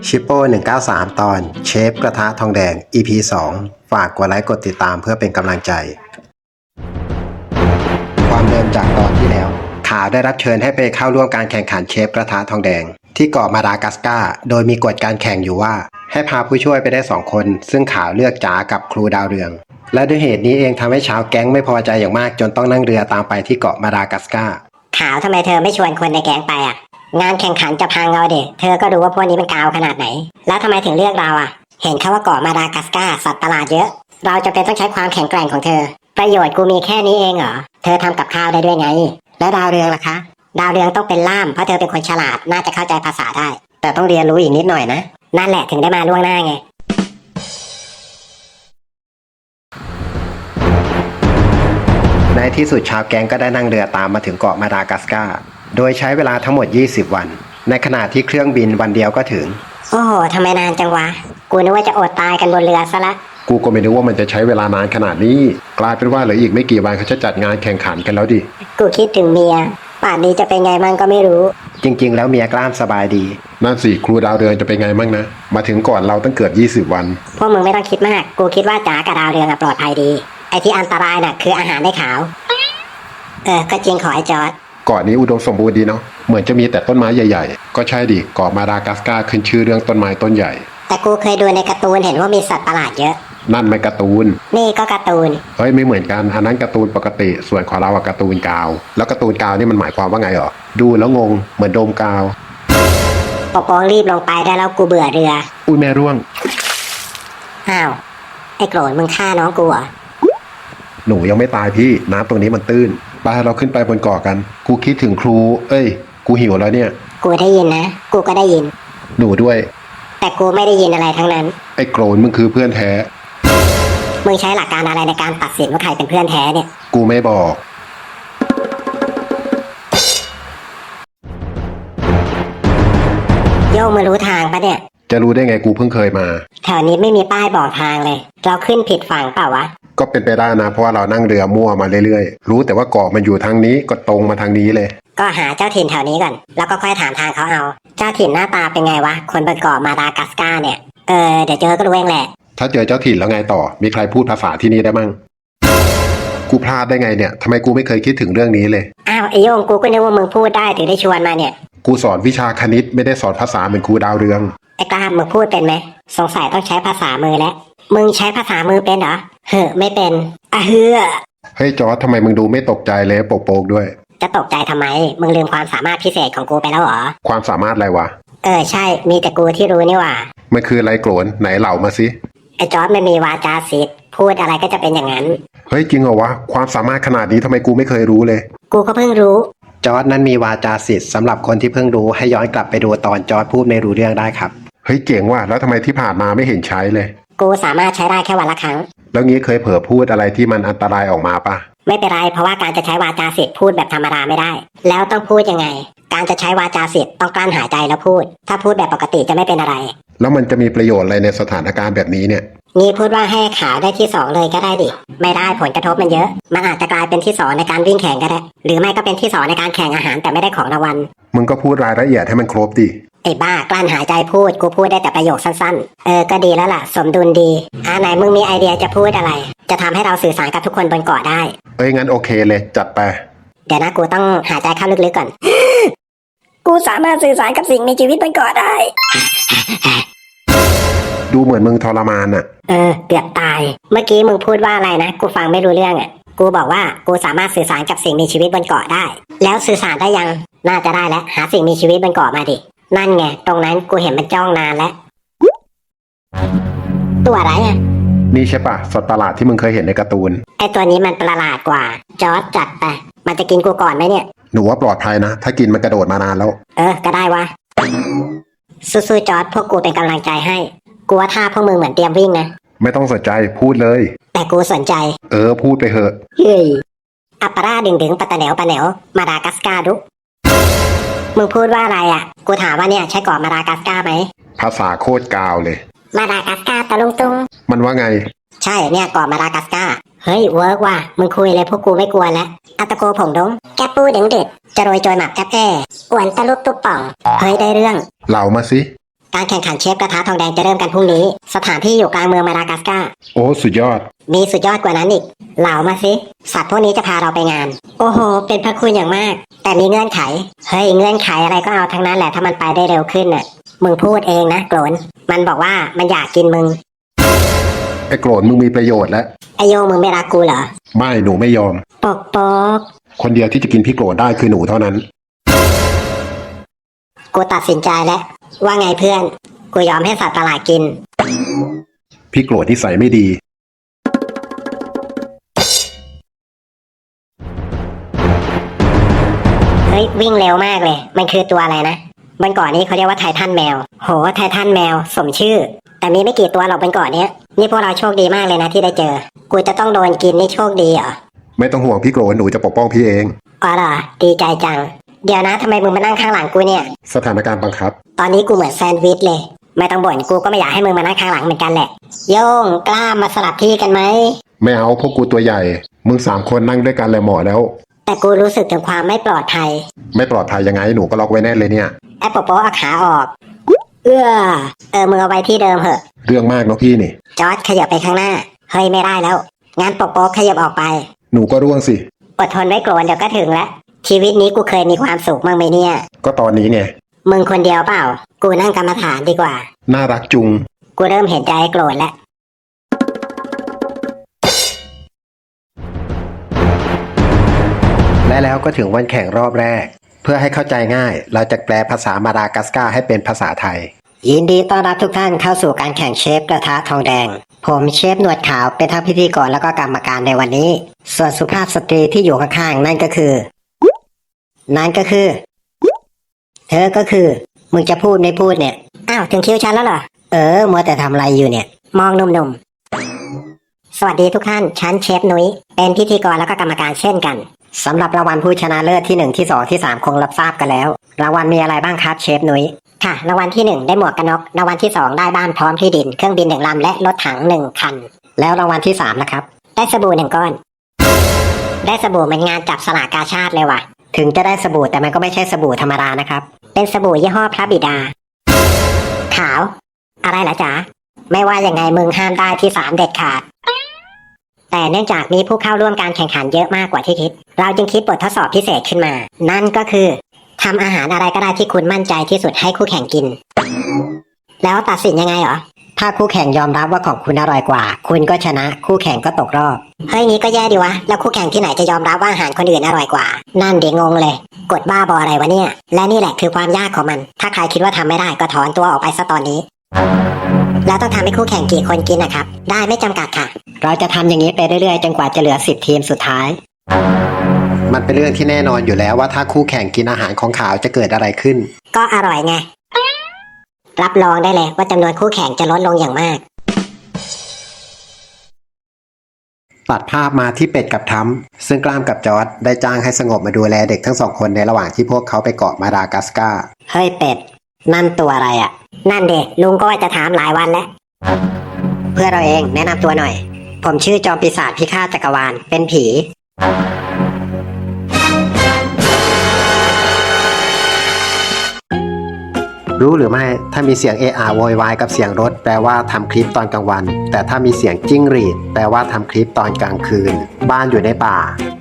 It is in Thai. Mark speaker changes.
Speaker 1: ชิปโป้193ตอนเชฟกระทะทองแดง EP 2ฝากกดไลค์กดติดตามเพื่อเป็นกำลังใจความเดิมจากตอนที่แล้วข่าวได้รับเชิญให้ไปเข้าร่วมการแข่งขันเชฟกระทะทองแดงที่เกาะมาดากัสการ์โดยมีกฎการแข่งอยู่ว่าให้พาผู้ช่วยไปได้2คนซึ่งข่าวเลือกจ๋ากับครูดาวเรืองและด้วยเหตุนี้เองทำให้ชาวแก๊งไม่พอใจอย่างมากจนต้องนั่งเรือตามไปที่เกาะมาดากัสการ์
Speaker 2: ข่าวทำไมเธอไม่ชวนคนในแก๊งไปอ่ะงานแข่งขันจะพังเอาเด็เธอก็รู้ว่าพวกนี้มันกาวขนาดไหนแล้วทำไมถึงเลือกเราอ่ะเห็นเขาว่าเกาะมาดากัสการ์สัตว์ประหลาดเยอะเราจะเป็นต้องใช้ความแข็งแกร่งของเธอประโยชน์กูมีแค่นี้เองเหรอเธอทำกับข้าวได้ด้วยไงแล้วดาวเรืองล่ะคะดาวเรืองต้องเป็นล่ามเพราะเธอเป็นคนฉลาดน่าจะเข้าใจภาษาได้
Speaker 1: แต่ต้องเรียนรู้อีกนิดหน่อยนะ
Speaker 2: นั่นแหละถึงได้มาล่วงหน้าไง
Speaker 1: ในที่สุดชาวแก๊งก็ได้นั่งเรือตามมาถึงเกาะมาดากัสการ์โดยใช้เวลาทั้งหมด20วันในขณะที่เครื่องบินวันเดียวก็ถึง
Speaker 2: โอ้โหทำไมนานจังวะกูนึกว่าจะอดตายกันบนเรือซะละ
Speaker 3: กูก็ไม่นึกว่ามันจะใช้เวลานานขนาดนี้กลายเป็นว่าเหลืออีกไม่กี่วันเขาจะจัดงานแข่งขันกันแล้วดิ
Speaker 2: กูคิดถึงเมียป่านนี้จะเป็นไงมั่งก็ไม่รู้
Speaker 1: จริงๆแล้วเมียกล้ามสบายดี
Speaker 3: นั่นสิครูดาวเรืองจะเป็นไงมั่งนะมาถึงก่อนเราตั้งเกือบ20วัน
Speaker 2: พวกมึงไม่ต้องคิดมากกูคิดว่าจ๋ากับดาวเรืองปลอดภัยดีไอ้ที่อันตรายน่ะคืออาหารได้ขาวก็จริงขอไอ้จอร์จ
Speaker 3: เกาะนี้อุดมสมบูรณ์ดีเนาะเหมือนจะมีแต่ต้นไม้ใหญ่ๆก็ใช่ดิเกาะมาดากัสการ์ขึ้นชื่อเรื่องต้นไม้ต้นใหญ่
Speaker 2: แต่กูเคยดูในการ์ตูนเห็นว่ามีสัตว์ประหลาดเยอะ
Speaker 3: นั่นไม่การ์ตูน
Speaker 2: นี่ก็การ์ตูน
Speaker 3: เฮ้ยไม่เหมือนกันอันนั้นการ์ตูนปกติส่วนของเราอะการ์ตูนกาวแล้วการ์ตูนกาวนี่มันหมายความว่าไงหรอดูแล้วงงเหมือนโดมกาว
Speaker 2: ปกป้องรีบลงไปได้แล้วกูเบื่อเรือ
Speaker 3: อุ้ยแม่ร่วง
Speaker 2: อ้าวไอ้โกรธมึงฆ่าน้องกูเหรอ
Speaker 3: หนูยังไม่ตายพี่น้ำตรงนี้มันตื้นไปเราขึ้นไปบนเกาะกันกูคิดถึงครูกูหิวแล้วเนี่ย
Speaker 2: กูได้ยินนะกูก็ได้ยิน
Speaker 3: หนูด้วย
Speaker 2: แต่กูไม่ได้ยินอะไรทั้งนั้น
Speaker 3: ไอ้โกรธมึงคือเพื่อนแท้
Speaker 2: มึงใช้หลักการอะไรในการตัดสินว่าใครเป็นเพื่อนแท้เนี่ย
Speaker 3: กูไม่บอก
Speaker 2: โย่มึงรู้ทางปะเนี่ย
Speaker 3: จะรู้ได้ไงกูเพิ่งเคยมา
Speaker 2: แถวนี้ไม่มีป้ายบอกทางเลยเราขึ้นผิดฝั่งเปล่าวะ
Speaker 3: ก็เป็นไปได้นะเพราะว่าเรานั่งเรือมั่วมาเรื่อยๆรู้แต่ว่าเกาะมันอยู่ทางนี้ก็ตรงมาทางนี้เลย
Speaker 2: ก็หาเจ้าถิ่นแถวนี้ก่อนแล้วก็ค่อยถามทางเขาเอาเจ้าถิ่นหน้าตาเป็นไงวะคนบนเกาะมาดากัสการ์เนี่ยเดี๋ยวเจอก็รู้เองแหละ
Speaker 3: ถ้าเจอเจ้าถิ่นแล้วไงต่อมีใครพูดภาษาที่นี่ได้มั่งกูพลาดได้ไงเนี่ยทำไมกูไม่เคยคิดถึงเรื่องนี้เลย
Speaker 2: อ้าวไอโยงกูก็นึกว่ามึงพูดได้ถึงได้ชวนมาเนี่ย
Speaker 3: กูสอนวิชาคณิตไม่ได้สอนภาษาเหมือนครูดาวเรือง
Speaker 2: ไอ้กล้ามึงพูดเป็นไหมสงสัยต้องใช้ภาษามือแล้วมึงใช้ภาษามือเป็นเหรอไม่เป็น
Speaker 3: เฮ้ยจอร์จทำไมมึงดูไม่ตกใจเลยโปกๆด้วย
Speaker 2: จะตกใจทำไมมึงลืมความสามารถพิเศษของกูไปแล้วเหรอ
Speaker 3: ความสามารถอะไรวะ
Speaker 2: ใช่มีแต่กูที่รู้นี่หว่า
Speaker 3: มันคืออะไรโกรนไหนเหล่ามาสิ
Speaker 2: ไอ้จอร์จไม่มีวาจาศิษย์พูดอะไรก็จะเป็นอย่างนั้น
Speaker 3: เฮ้ยจริงเหรอวะความสามารถขนาดนี้ทำไมกูไม่เคยรู้เลย
Speaker 2: กูก็เพิ่งรู้
Speaker 1: จอร์จนั้นมีวาจาศิษย์สำหรับคนที่เพิ่งรู้ให้ย้อนกลับไปดูตอนจอร์จพูดไม่รู้เรื่องได้ครับ
Speaker 3: เฮ้ยเจ๋งว่ะแล้วทำไมที่ผ่านมาไม่เห็นใช้เลย
Speaker 2: กูสามารถใช้ได้แค่วันละครั้ง
Speaker 3: แล้วงี้เคยเผลอพูดอะไรที่มันอันตรายออกมาปะ
Speaker 2: ไม่เป็นไรเพราะว่าการจะใช้วาจาศิษย์พูดแบบธรรมดาไม่ได้แล้วต้องพูดยังไงการจะใช้วาจาศิษย์ต้องกลั้นหายใจแล้วพูดถ้าพูดแบบปกติจะไม่เป็นอะไร
Speaker 3: แล้วมันจะมีประโยชน์อะไรในสถานการณ์แบบนี้เนี่ย
Speaker 2: นี่พูดว่าให้ขาวได้ที่2เลยก็ได้ดิไม่ได้ผลกระทบมันเยอะมันอาจจะกลายเป็นที่2ในการวิ่งแข่งก็ได้หรือไม่ก็เป็นที่2ในการแข่งอาหารแต่ไม่ได้ของรางวัล
Speaker 3: มึงก็พูดรายละเอียดให้มันครบดิ
Speaker 2: ไอ้บ้ากลั้นหายใจพูดกูพูดได้แต่ประโยคสั้นๆก็ดีแล้วล่ะสมดุลดีไหนมึงมีไอเดียจะพูดอะไรจะทำให้เราสื่อสารกับทุกคนบนเกาะได้
Speaker 3: งั้นโอเคเลยจัดไป
Speaker 2: เดี๋ยวนะกูต้องหายใจเข้าลึกๆก่อน กูสามารถสื่อสารกับสิ่งมีชีวิตบนเกาะได้
Speaker 3: ดูเหมือนมึงทรมานอ่ะ
Speaker 2: เกือบตายเมื่อกี้มึงพูดว่าอะไรนะกูฟังไม่รู้เรื่องอ่ะกูบอกว่ากูสามารถสื่อสารกับสิ่งมีชีวิตบนเกาะได้แล้วสื่อสารได้ยังน่าจะได้แล้วหาสิ่งมีชีวิตบนเกาะมาดินั่นไงตรงนั้นกูเห็นมันจ้องนานแล้วตัวอะไรอ่ะ
Speaker 3: นี่ใช่ปะสัตว์ประหลาดที่มึงเคยเห็นในการ์ตูน
Speaker 2: ไอตัวนี้มันประหลาดกว่าจอร์จจัดไปมันจะกินกูก่อนไหมเนี่ย
Speaker 3: หนูว่าปลอดภัยนะถ้ากินมันกระโดดมานานแล้ว
Speaker 2: ก็ได้วะสู้ๆจอร์จพวกกูเป็นกำลังใจให้กูว่าท่าพวกมึงเหมือนเตรียมวิ่งนะ
Speaker 3: ไม่ต้องสนใจพูดเลย
Speaker 2: แต่กูสนใจ
Speaker 3: พูดไปเหอะ
Speaker 2: เฮ้ยอัปปาราดึงปะตะเหนวปะเหนวมาดากัสการ์ดุมึงพูดว่าอะไรอ่ะกูถามว่าเนี่ยใช่เกาะมาดากัสการ์ไหม
Speaker 3: ภาษาโคตรกาวเลย
Speaker 2: มาดากัสการ์ตะลุงตุง
Speaker 3: มันว่าไง
Speaker 2: ใช่เนี่ยเกาะมาดากัสการ์เฮ้ยเวิร์กว่ะมึงคุยเลยพวกกูไม่กลัวแล้วอัตโกผงดงแกปูเด็งเด็ดจะโรยโจยหมักแกบอ้วนตะลุกตุ๊บป่องเฮ้ยได้เรื่อง
Speaker 3: เหล่ามาสิ
Speaker 2: การแข่งขันเชฟกระทะทองแดงจะเริ่มกันพรุ่งนี้สถานที่อยู่กลางเมืองมาดากัสการ์
Speaker 3: โอ้สุดยอด
Speaker 2: มีสุดยอดกว่านั้นอีกเหล่ามาสิสัตว์พวกนี้จะพาเราไปงานโอ้โหเป็นพระคุณอย่างมากแต่มีเงื่อนไขเฮ้ยเงื่อนไขอะไรก็เอาทั้งนั้นแหละถ้ามันไปได้เร็วขึ้นน่ะมึงพูดเองนะโกรนมันบอกว่ามันอยากกินมึง
Speaker 3: ไอ้โกรธมึงมีประโยชน์แล้ว
Speaker 2: ไอโยงมึงไม่รักกูเหรอ
Speaker 3: ไม่หนูไม่ยอม
Speaker 2: ปกปก
Speaker 3: คนเดียวที่จะกินพี่โกรธได้คือหนูเท่านั้น
Speaker 2: กูตัดสินใจแล้วว่าไงเพื่อนกูยอมให้สัตว์ประหลาดกิน
Speaker 3: พี่โกรธนิสัยไม่ดี
Speaker 2: เฮ้ยวิ่งเร็วมากเลยมันคือตัวอะไรนะบนเกาะนี้เขาเรียกว่าไททันแมวโหไททันแมวสมชื่อแต่มีไม่กี่ตัวหรอกบนเกาะเนี้ยนี่พวกเราโชคดีมากเลยนะที่ได้เจอกูจะต้องโดนกินนี่โชคดีเหรอ
Speaker 3: ไม่ต้องห่วงพี่โกรธหนูจะปกป้องพี่เอง
Speaker 2: อ๋อเหรอดีใจจังเดี๋ยวนะทำไมมึงมานั่งข้างหลังกูเนี่ย
Speaker 3: สถานการณ์บังคับ
Speaker 2: ตอนนี้กูเหมือนแซนด์วิชเลยไม่ต้องบ่นกูก็ไม่อยากให้มึงมานั่งข้างหลังเหมือนกันแหละโย่งกล้ามาสลับที่กันไหม
Speaker 3: ไม่เอาพวกกูตัวใหญ่ มึง3 คนนั่งด้วยกันเลยหมอแล้ว
Speaker 2: แต่กูรู้สึกถึงความไม่ปลอดภัย
Speaker 3: ไม่ปลอดภัยยังไงหนูก็ล็อกไว้แน่นเลยเนี่ย
Speaker 2: แอปโปโปเอาขาออกมึงเอาไว้ที่เดิมเหอะ
Speaker 3: เรื่องมากเนาะพี่นี่
Speaker 2: จอร์จขยับไปข้างหน้าเฮ้ยไม่ได้แล้วงานโปโปขยับออกไป
Speaker 3: หนูก็ร่วงสิ
Speaker 2: อดทนไว้โกรนเดี๋ยวก็ถึงแล้วชีวิตนี้กูเคยมีความสุขมั้งไหมเนี่ย
Speaker 3: ก็ตอนนี้ไง
Speaker 2: มึงคนเดียวเปล่า กูนั่งกรรมฐานดีกว่า
Speaker 3: น่ารักจุง
Speaker 2: กูเริ่มเห็นใจโกรธแล้ว
Speaker 1: และแล้วก็ถึงวันแข่งรอบแรก เพื่อให้เข้าใจง่าย เราจะแปลภาษามาดากัสการ์ให้เป็นภาษาไทย ยินดีต้อนรับทุกท่านเข้าสู่การแข่งเชฟกระทะทองแดง ผมเชฟหนวดขาวเป็นทั้งพิธีกรแล้วก็กรรมการในวันนี้ ส่วนสุภาพสตรีที่อยู่ข้างๆนั่นก็คือ เธอก็คือ มึงจะพูดไม่พูดเนี่ย อ้าวถึงคิวฉันแล้วเหรอ มัวแต่ทำอะไรอยู่เนี่ย มองหนุ่มๆ สวัสดีทุกท่าน ฉันเชฟนุ้ย เป็นพิธีกรแล้วก็กรรมการเช่นกัน สำหรับรางวัลผู้ชนะเลิศที่1ที่2ที่3คงรับทราบกันแล้ว รางวัลมีอะไรบ้างครับเชฟนุ้ย ค่ะ รางวัลที่1ได้หมวกกันน็อกรางวัลที่2ได้บ้านพร้อมที่ดิน เครื่องบิน1 ลำและรถถัง1 คัน แล้วรางวัลที่3นะครับ ได้สบู่1 ก้อน ได้สบู่เหมือนงานจับสลากกาชาดเลยว่ะ ถึงจะได้สบู่แต่มันก็ไม่ใช่สบู่ธรรมดานะครับ เป็นสบู่ยี่ห้อพระบิดา ขาว อะไรล่ะจ๊ะ ไม่ว่ายังไงมึงห้ามได้ที่3เด็ดขาด แต่เนื่องจากมีผู้เข้าร่วมการแข่งขันเยอะมากกว่าที่คิด เราจึงคิดบททดสอบพิเศษขึ้นมา นั่นก็คือทำอาหารอะไรก็ได้ที่คุณมั่นใจที่สุดให้คู่แข่งกิน แล้วตัดสินยังไงเหรอ ถ้าคู่แข่งยอมรับว่าของคุณอร่อยกว่า คุณก็ชนะ คู่แข่งก็ตกรอบ เฮ้ยงี้ก็แย่ดีวะ แล้วคู่แข่งที่ไหนจะยอมรับว่าอาหารคนอื่นอร่อยกว่า นั่นเดี๋ยวงงเลย กดบ้าบออะไรวะเนี่ย และนี่แหละคือความยากของมัน ถ้าใครคิดว่าทำไม่ได้ก็ถอนตัวออกไปซะตอนนี้ แล้วต้องทำให้คู่แข่งกี่คนกินนะครับ ได้ไม่จำกัดค่ะ เราจะทำอย่างนี้ไปเรื่อยๆจนกว่าจะเหลือ10 ทีมสุดท้าย มันเป็นเรื่องที่แน่นอนอยู่แล้วว่าถ้าคู่แข่งกินอาหารของขาวจะเกิดอะไรขึ้น ก็อร่อยไง รับรองได้เลยว่าจำนวนคู่แข่งจะลดลงอย่างมาก ตัดภาพมาที่เป็ดกับทั้มซึ่งกล้ามกับจอร์ดได้จ้างให้สงบมาดูแลเด็กทั้ง2 คนในระหว่างที่พวกเขาไปเกาะมาดากัสการ์ เฮ้ยเป็ด นั่นตัวอะไรอ่ะ นั่นเด็กลุงก็ว่าจะถามหลายวันแล้ว เพื่อเราเองแนะนำตัวหน่อย ผมชื่อจอมปีศาจพิฆาตจักรวาลเป็นผี รู้หรือไม่ถ้ามีเสียงเอะอะโวยวายกับเสียงรถแปลว่าทำคลิปตอนกลางวัน แต่ถ้ามีเสียงจิ้งหรีดแปลว่าทำคลิปตอนกลางคืน บ้านอยู่ในป่า